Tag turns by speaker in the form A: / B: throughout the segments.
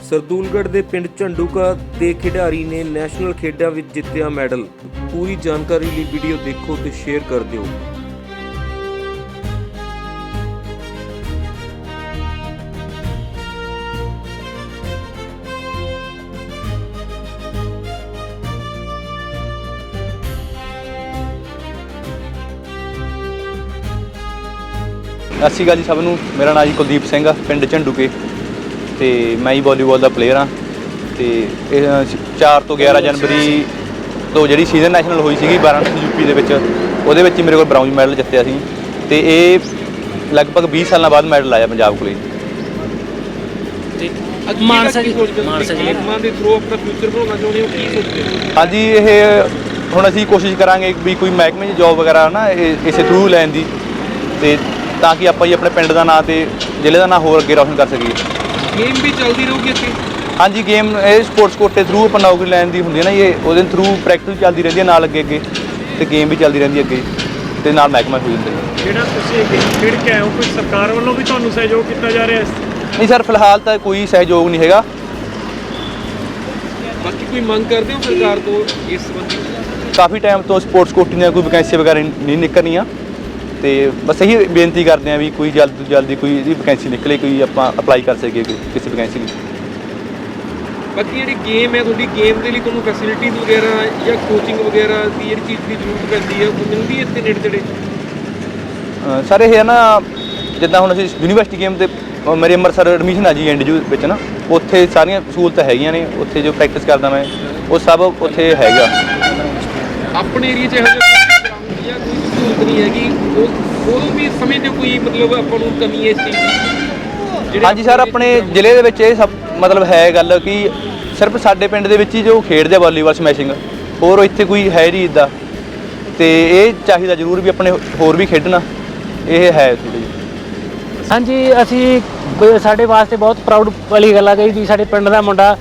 A: ਸਰਦੂਲਗੜ੍ਹ ਦੇ ਪਿੰਡ ਝੰਡੂਕਾ ਦੇ ਖਿਡਾਰੀ ਨੇ ਨੈਸ਼ਨਲ ਖੇਡਾਂ ਵਿੱਚ ਜਿੱਤਿਆ ਮੈਡਲ। ਪੂਰੀ ਜਾਣਕਾਰੀ ਲਈ ਵੀਡੀਓ ਦੇਖੋ ਤੇ ਸ਼ੇਅਰ ਕਰ ਦਿਓ।
B: ਸਤਿ ਸ਼੍ਰੀ ਅਕਾਲ ਜੀ ਸਭ ਨੂੰ। ਮੇਰਾ ਨਾਮ ਜੀ ਕੁਲਦੀਪ ਸਿੰਘ ਆ, ਪਿੰਡ ਝੰਡੂਕੇ ਤੇ ਮੈਂ ਹੀ ਵਾਲੀਬਾਲ ਦਾ ਪਲੇਅਰ ਹਾਂ। ਤੇ ਇਹ 4 ਤੋਂ 11 ਜਨਵਰੀ ਤੋਂ ਜਿਹੜੀ ਸੀਜ਼ਨ ਨੈਸ਼ਨਲ ਹੋਈ ਸੀਗੀ ਵਾਰਾਣਸੀ ਯੂਪੀ ਦੇ ਵਿੱਚ, ਉਹਦੇ ਵਿੱਚ ਹੀ ਮੇਰੇ ਕੋਲ ਬ੍ਰਾਊਂਜ਼ ਮੈਡਲ ਜਿੱਤਿਆ ਸੀ। ਤੇ ਇਹ ਲਗਭਗ 20 ਸਾਲਾਂ ਬਾਅਦ ਮੈਡਲ ਆਇਆ ਪੰਜਾਬ ਕੋਲੇ।
C: ਮਾਨਸਾ ਜੀ ਦੇ ਥਰੂ ਆਪਣਾ ਫਿਊਚਰ ਬਣਾਉਣਾ ਚਾਹੁੰਦੇ ਹੋ, ਕੀ ਸੋਚਦੇ ਹੋ?
B: ਹਾਂਜੀ, ਇਹ ਹੁਣ ਅਸੀਂ ਕੋਸ਼ਿਸ਼ ਕਰਾਂਗੇ ਵੀ ਕੋਈ ਮਹਿਕਮੇ 'ਚ ਜੋਬ ਵਗੈਰਾ ਨਾ ਇਸੇ ਥਰੂ ਲੈਣ ਦੀ, ਤੇ ਤਾਂ ਕਿ ਆਪਾਂ ਜੀ ਆਪਣੇ ਪਿੰਡ ਦਾ ਨਾਂ ਤੇ ਜ਼ਿਲ੍ਹੇ ਦਾ ਨਾਂ ਹੋਰ ਅੱਗੇ ਰੌਸ਼ਨ ਕਰ ਸਕੀਏ।
C: ਗੇਮ ਵੀ ਚੱਲਦੀ ਰਹੂਗੀ ਇੱਥੇ?
B: ਹਾਂਜੀ, ਗੇਮ ਇਹ ਸਪੋਰਟਸ ਕੋਟੇ ਥਰੂ ਆਪਾਂ ਨੌਕਰੀ ਲੈਣ ਦੀ ਹੁੰਦੀ ਹੈ ਨਾ, ਇਹ ਉਹਦੇ ਥਰੂ ਪ੍ਰੈਕਟਿਸ ਚੱਲਦੀ ਰਹਿੰਦੀ ਹੈ ਨਾਲ ਅੱਗੇ ਤੇ ਗੇਮ ਵੀ ਚੱਲਦੀ ਰਹਿੰਦੀ ਅੱਗੇ ਤੇ ਨਾਲ ਮਹਿਕਮਾ ਹੋ ਜਾਂਦਾ।
C: ਜਿਹੜਾ ਤੁਸੀਂ ਖੇਡ ਕੇ ਆਏ ਹੋ, ਕੋਈ ਸਰਕਾਰ ਵੱਲੋਂ ਵੀ ਤੁਹਾਨੂੰ ਸਹਿਯੋਗ ਕੀਤਾ ਜਾ ਰਿਹਾ ਹੈ?
B: ਨਹੀਂ ਸਰ, ਫਿਲਹਾਲ ਤਾਂ ਕੋਈ ਸਹਿਯੋਗ ਨਹੀਂ ਹੈਗਾ।
C: ਬਾਕੀ ਕੋਈ ਮੰਗ ਕਰਦੇ ਹੋ ਸਰਕਾਰ ਤੋਂ ਇਸ ਸੰਬੰਧੀ?
B: ਕਾਫੀ ਟਾਈਮ ਤੋਂ ਸਪੋਰਟਸ ਕੋਟੇ ਦੀਆਂ ਕੋਈ ਵੈਕੈਂਸੀ ਵਗੈਰਾ ਨਹੀਂ ਨਿਕਲਣੀਆਂ, ਤੇ ਬਸ ਇਹੀ ਬੇਨਤੀ ਕਰਦੇ ਹਾਂ ਵੀ ਕੋਈ ਜਲਦ ਤੋਂ ਜਲਦੀ ਕੋਈ ਇਹਦੀ ਵੈਕੈਂਸੀ ਨਿਕਲੇ, ਕੋਈ ਆਪਾਂ ਅਪਲਾਈ ਕਰ ਸਕੀਏ ਕਿਸੇ ਵੈਕੈਂਸੀ ਲਈ।
C: ਬਾਕੀ ਜਿਹੜੀ ਗੇਮ ਹੈ ਤੁਹਾਡੀ, ਗੇਮ ਦੇ ਲਈ ਤੁਹਾਨੂੰ ਫੈਸਿਲਿਟੀਜ਼ ਵਗੈਰਾ ਜਾਂ ਕੋਚਿੰਗ ਵਗੈਰਾ ਦੀ ਜਿਹੜੀ ਚੀਜ਼ ਦੀ ਜ਼ਰੂਰਤ ਪੈਂਦੀ ਹੈ, ਉਹ ਮਿਲਦੀ ਹੈ ਇੱਥੇ ਨੇੜੇ ਤੇੜੇ?
B: ਸਰ ਇਹ ਹੈ ਨਾ, ਜਿੱਦਾਂ ਹੁਣ ਅਸੀਂ ਯੂਨੀਵਰਸਿਟੀ ਗੇਮ 'ਤੇ ਮੇਰੇ ਅੰਮ੍ਰਿਤਸਰ ਐਡਮਿਸ਼ਨ ਆ ਜੀ ਐਨਡੀਯੂ ਵਿੱਚ ਨਾ, ਉੱਥੇ ਸਾਰੀਆਂ ਸਹੂਲਤਾਂ ਹੈਗੀਆਂ ਨੇ। ਉੱਥੇ ਜੋ ਪ੍ਰੈਕਟਿਸ ਕਰਦਾ ਮੈਂ ਉਹ ਸਭ ਉੱਥੇ ਹੈਗਾ।
C: ਆਪਣੇ ਏਰੀਆ 'ਚ ਇਹੋ ਜਿਹਾ ਕੋਈ ਸਹੂਲਤ ਨਹੀਂ ਹੈਗੀ, ਉਹ ਵੀ ਸਮਝਦੇ ਕੋਈ ਮਤਲਬ ਆਪਾਂ ਨੂੰ ਕਮੀ ਹੈ ਇਸ ਚੀਜ਼ ਦੀ?
B: ਹਾਂਜੀ ਸਰ, ਆਪਣੇ ਜ਼ਿਲ੍ਹੇ ਦੇ ਵਿੱਚ ਇਹ ਸਭ ਮਤਲਬ ਹੈ ਗੱਲ ਕਿ ਸਿਰਫ ਸਾਡੇ ਪਿੰਡ ਦੇ ਵਿੱਚ ਹੀ ਜੋ ਖੇਡਦੇ ਆ ਵਾਲੀਬਾਲ ਸਮੈਸ਼ਿੰਗ, ਹੋਰ ਇੱਥੇ ਕੋਈ ਹੈ ਨਹੀਂ ਇੱਦਾਂ। ਤੇ ਇਹ ਚਾਹੀਦਾ ਜ਼ਰੂਰ ਵੀ ਆਪਣੇ ਹੋਰ ਵੀ ਖੇਡਣਾ, ਇਹ ਹੈ ਥੋੜ੍ਹੀ ਜਿਹੀ।
D: ਹਾਂਜੀ, ਅਸੀਂ ਸਾਡੇ ਵਾਸਤੇ ਬਹੁਤ ਪ੍ਰਾਊਡ ਵਾਲੀ ਗੱਲ ਆ ਗਈ ਵੀ ਸਾਡੇ ਪਿੰਡ ਦਾ ਮੁੰਡਾ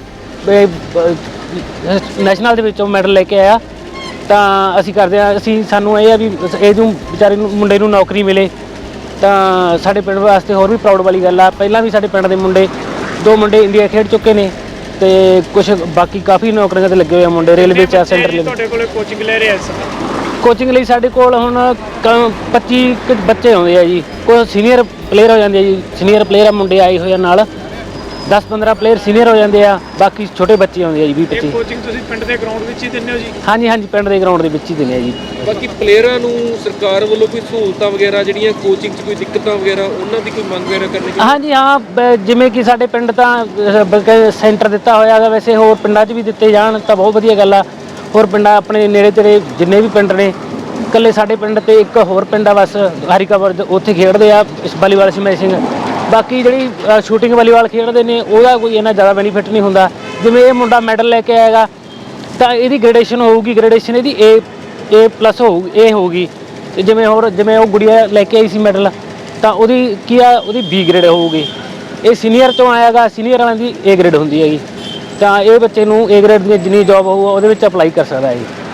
D: ਨੈਸ਼ਨਲ ਦੇ ਵਿੱਚੋਂ ਮੈਡਲ ਲੈ ਕੇ ਆਇਆ। ਤਾਂ ਅਸੀਂ ਕਰਦੇ ਹਾਂ, ਸਾਨੂੰ ਇਹ ਆ ਵੀ ਇਹਨੂੰ ਵਿਚਾਰੇ ਨੂੰ ਮੁੰਡੇ ਨੂੰ ਨੌਕਰੀ ਮਿਲੇ, ਤਾਂ ਸਾਡੇ ਪਿੰਡ ਵਾਸਤੇ ਹੋਰ ਵੀ ਪ੍ਰਾਊਡ ਵਾਲੀ ਗੱਲ ਆ। ਪਹਿਲਾਂ ਵੀ ਸਾਡੇ ਪਿੰਡ ਦੇ ਦੋ ਮੁੰਡੇ ਇੰਡੀਆ ਖੇਡ ਚੁੱਕੇ ਨੇ, ਤੇ ਕੁਝ ਬਾਕੀ ਕਾਫੀ ਨੌਕਰੀਆਂ 'ਤੇ ਲੱਗੇ ਹੋਏ ਆ ਮੁੰਡੇ, ਰੇਲਵੇ 'ਚ ਸੈਂਟਰ।
C: ਤੁਹਾਡੇ ਕੋਲ ਕੋਚਿੰਗ ਲੈ ਰਹੇ ਇਸ
D: ਕੋਚਿੰਗ ਲਈ ਸਾਡੇ ਕੋਲ ਹੁਣ 25 ਬੱਚੇ ਆਉਂਦੇ ਆ ਜੀ। ਕੋਈ ਸੀਨੀਅਰ ਪਲੇਅਰ ਹੋ ਜਾਂਦੇ ਆ ਜੀ, ਸੀਨੀਅਰ ਪਲੇਅਰ ਮੁੰਡੇ ਆਏ ਹੋਏ ਆ ਨਾਲ, 10-15 ਪਲੇਅਰ ਸੀਨੀਅਰ ਹੋ ਜਾਂਦੇ ਆ, ਬਾਕੀ ਛੋਟੇ ਬੱਚੇ ਆਉਂਦੇ ਆ ਜੀ 20-25।
C: ਕੋਚਿੰਗ ਤੁਸੀਂ ਪਿੰਡ ਦੇ ਗਰਾਊਂਡ ਵਿੱਚ ਹੀ ਦਿੰਦੇ ਹੋ ਜੀ? ਹਾਂਜੀ,
D: ਪਿੰਡ ਦੇ ਗਰਾਊਂਡ ਦੇ ਵਿੱਚ ਹੀ ਦਿੰਦੇ ਆ ਜੀ।
C: ਬਾਕੀ ਪਲੇਅਰਾਂ ਨੂੰ ਸਰਕਾਰ ਵੱਲੋਂ ਕੋਈ ਸਹੂਲਤਾਂ ਵਗੈਰਾ, ਜਿਹੜੀਆਂ ਕੋਚਿੰਗ 'ਚ ਕੋਈ ਦਿੱਕਤਾਂ ਵਗੈਰਾ, ਉਹਨਾਂ ਦੀ ਕੋਈ ਮੰਗ ਵਗੈਰਾ ਕਰਨੀ ਚਾਹੀਦੀ?
D: ਹਾਂਜੀ ਹਾਂ, ਜਿਵੇਂ ਕਿ ਸਾਡੇ ਪਿੰਡ ਤਾਂ ਸੈਂਟਰ ਦਿੱਤਾ ਹੋਇਆ ਹੈਗਾ, ਵੈਸੇ ਹੋਰ ਪਿੰਡਾਂ 'ਚ ਵੀ ਦਿੱਤੇ ਜਾਣ ਤਾਂ ਬਹੁਤ ਵਧੀਆ ਗੱਲ ਆ। ਹੋਰ ਪਿੰਡਾਂ ਆਪਣੇ ਨੇੜੇ ਤੇੜੇ ਜਿੰਨੇ ਵੀ ਪਿੰਡ ਨੇ, ਇਕੱਲੇ ਸਾਡੇ ਪਿੰਡ ਤੇ ਇੱਕ ਹੋਰ ਪਿੰਡ ਆ ਬਸ ਹਰੀਕਾਪੁਰ, ਉੱਥੇ ਖੇਡਦੇ ਆ ਇਸ ਵਾਲੀਬਾਲ ਸਮੈਸ਼ਿੰਗ। ਬਾਕੀ ਜਿਹੜੀ ਸ਼ੂਟਿੰਗ ਵਾਲੀਬਾਲ ਖੇਡਦੇ ਨੇ ਉਹਦਾ ਕੋਈ ਇੰਨਾ ਜ਼ਿਆਦਾ ਬੈਨੀਫਿਟ ਨਹੀਂ ਹੁੰਦਾ। ਜਿਵੇਂ ਇਹ ਮੁੰਡਾ ਮੈਡਲ ਲੈ ਕੇ ਆਏਗਾ ਤਾਂ ਇਹਦੀ ਗ੍ਰੇਡੇਸ਼ਨ ਹੋਊਗੀ, ਗ੍ਰੇਡੇਸ਼ਨ ਇਹਦੀ A+ ਹੋਊਗੀ। ਤੇ ਜਿਵੇਂ ਉਹ ਗੁੜੀਆ ਲੈ ਕੇ ਆਈ ਸੀ ਮੈਡਲ, ਤਾਂ ਉਹਦੀ ਉਹਦੀ B ਗ੍ਰੇਡ ਹੋਊਗੀ। ਇਹ ਸੀਨੀਅਰ 'ਚੋਂ ਆਏਗਾ, ਸੀਨੀਅਰ ਵਾਲਿਆਂ ਦੀ A ਗ੍ਰੇਡ ਹੁੰਦੀ ਹੈਗੀ। ਤਾਂ ਇਹ ਬੱਚੇ ਨੂੰ A ਗ੍ਰੇਡ ਦੀ ਜਿੰਨੀ ਜੋਬ ਹੋਊਗਾ ਉਹਦੇ ਵਿੱਚ ਅਪਲਾਈ ਕਰ ਸਕਦਾ ਹੈ ਜੀ।